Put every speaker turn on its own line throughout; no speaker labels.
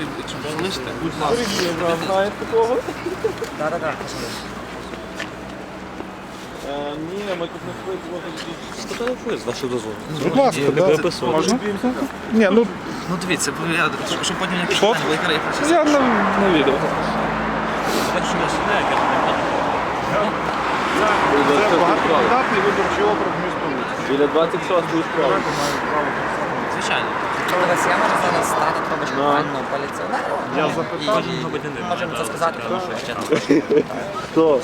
якщо залишите, будь ласка.
Знаєте такого?
Так.
Ні, ми тут не виходимо.
Сфотографуєш з вашого дозволу.
Будь ласка, да. Можна? Ні, ну,
Ну дивіться, щоб потім не
Що?
пішли, викрає процес.
я на відео. Це багатомандатний виборчий округ міста Луцьк.
Біля 26-ї справи.
Звичайно.
Дивись, я можу зараз стати трошки пану поліціонеру.
Я запитав.
Можемо це сказати, тому що ще не
Хто?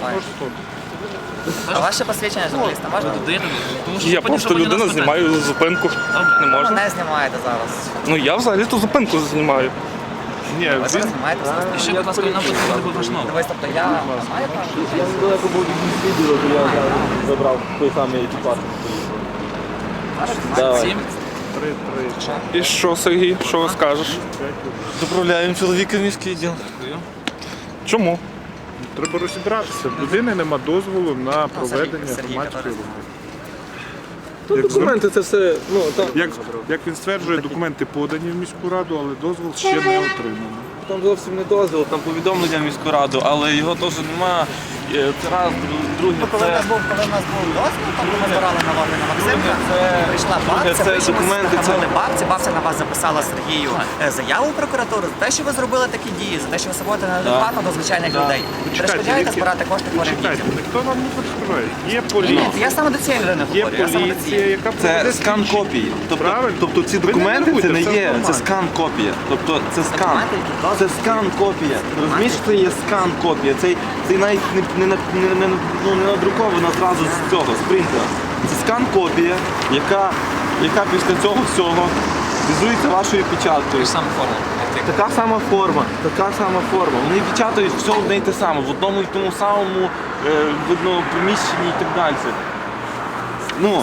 А ваше посвідчення журналіста можна?
Тому що
Я
потім,
просто
щоб потім
людина
нас
знімаю зупинку. Не
Ви
можна.
не знімаєте зараз.
Ну я взагалі-то зупинку знімаю. Ні,
Ви зараз знімаєте зараз.
І ще, будь ласка, нам потрібно буде ваш номер.
Дивись, тобто я маю право?
Я недалеко був від відео, то я забрав той самий екіпаж. Давай.
7.
І що, Сергій, що ви скажеш?
Доправляємо чоловіка в міський відділ.
Чому?
Треба розібратися. В людини нема дозволу на проведення
Сергій,
громадської
Сергій,
роботи.
Тут документи це все, ну там,
Як він стверджує, документи подані в міську раду, але дозвол ще не отримано.
там зовсім не дозвіл, там повідомлення в міську раду, але його теж нема. Це раз, друге,
Коли в
це...
нас був дозвіл, там ми збирали налоги на Максимка, прийшла бабця,
це
прийшли,
документи,
сфотографували бабця на вас записала Сергію заяву в прокуратуру за те, що ви зробили такі дії, за те, що ви сводите неадекватно до звичайних людей. Перешкоджаєте збирати кошти хворим
Чекайте,
дітям.
ніхто нам не перешкоджає. Є поліція,
Я саме до цієї людини
є
говорю, я саме до
поліція,
цієї.
яка
Це
проведе
скан
слідчі.
копії.
Правильно.
Тобто ці
Ви не
документи це
нервуйте,
не
все
є,
нормально.
це скан копія. Тобто це скан.
Документи, які дозвіл.
Це скан копія. Розумієш, що це є скан копія. Це навіть не надруковано зразу з цього, з принтера. Це скан копія, яка після цього всього візується вашою печаткою.
Саме форма.
Така сама форма. Вони печатають все одне і те саме, в одному і тому самому видно, приміщенні і так далі. Ну,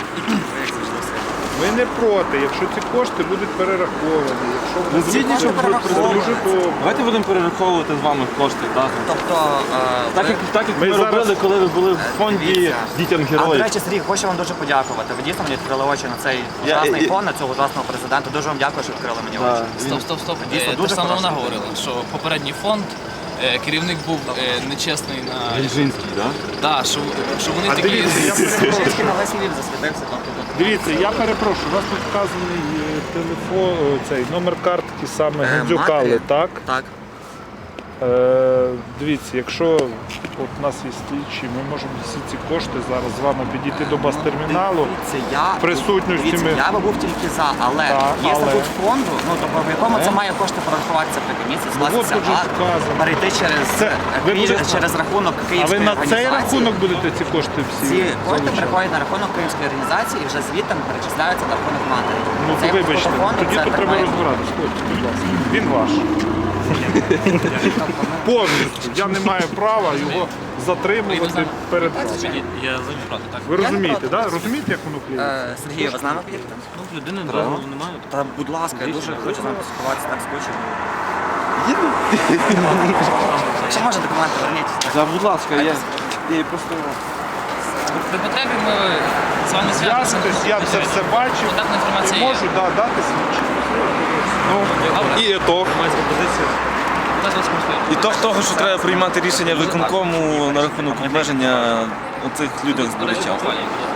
Ми не проти, якщо ці кошти будуть перераховані, якщо вони
згідні,
будуть
щоб
дуже добре.
давайте будемо перераховувати з вами кошти.
Тобто,
Так як ми
Ми зараз-
робили, коли ви були в фонді
Дивіться.
дітям
А до
героїв.
речі, Сергій, хочу вам дуже подякувати. Ви дійсно мені відкрили очі на цей
Я-
ужасний фон, на цього ужасного президента. Дуже вам дякую, що відкрили мені очі.
Стоп.
Дійсно,
Те
дуже
саме
хороша
вона
людина.
говорила, що попередній фонд, керівник був нечесний на...
Ільжинський, так?
Так, що вони
А
такі...
дивіться, я перепрошую.
Трішки на весь Львів засвітився.
Дивіться, я перепрошую, у вас тут вказаний телефон, цей номер картки саме Гандзюкали, так?
Так.
Дивіться, якщо от у нас є слідчі, ми можемо всі ці кошти зараз з вами підійти до бас-терміналу.
Дивіться,
в присутності ми-
я би був тільки за, але
Так,
є
але-
статут фонду, ну тобто в якому це має кошти порахуватися при комісії,
от
скластися
тут же
акт,
вказано.
перейти через
ви будете-
через рахунок
А ви
Київської
на цей
організації.
рахунок будете ці кошти всі?
Ці кошти
залучати?
приходять на рахунок Київської організації і вже звідти перечисляються на рахунок матері.
Ну,
Це
то вибачте,
фонду,
тоді
це
тут
так
треба
має бути.
розбиратися. Хлопці, будь ласка. Він ваш. Повністю. Я не маю права його затримувати перед вами.
Я завжди проти, так.
Ви розумієте,
проти.
так? Розумієте, як воно впливає?
Сергій, ви з нами поїдете?
Ну, людини дозволу немає.
Та будь ласка, я дуже хочу з вами поспілкуватися, так скучив. Якщо може документи, верніть.
Будь ласка, я просто...
При потребі ми з вами зв'яжемося.
Я це все бачив.
Контактна інформація
І
є.
можу дати свідчення.
Добре.
І ітог. Ітог того, що треба приймати рішення виконкому на рахунок обмеження оцих людях збирачів.